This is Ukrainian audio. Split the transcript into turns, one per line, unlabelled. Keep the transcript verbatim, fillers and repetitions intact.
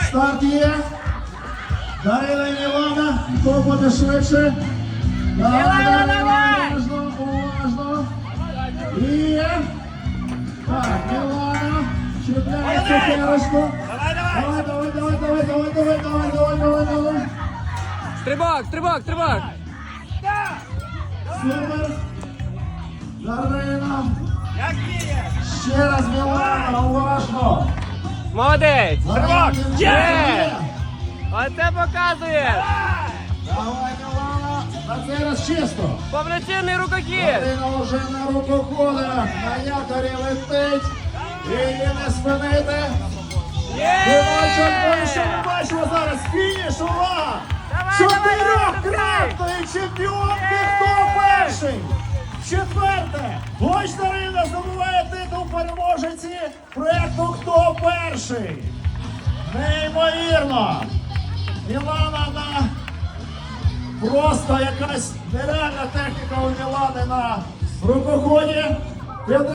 Старт є. Дарина і Мілана. Хто буде швидше?
Мілана, давай!
Уважно, уважно. І... Так, Мілана. Чіпляє цукерочку.
Давай, давай!
Давай, давай, давай, давай, давай, давай, давай, давай, давай, давай.
Стрибок, стрибок, стрибок.
Супер. Дарина.
Як діє?
Ще раз Мілана, уважно.
Молодець.
Дарина,
Є! Оце показує.
Давай, Мілана. На цей раз чисто.
Повноцінний рукохід.
Дарина вже на рукоходах. На якорі летить. Її не спинити. Ми бачимо, ми що ми бачимо зараз? Фініш, увага!
Давай,
Чотирьохкратної чемпіонки, хто перший? Четверте! Гоч Дарина здобуває титул переможниці проєкту «Хто перший?». Неймовірно! Мілана на... Просто якась нереальна техніка у Мілани на рукоході.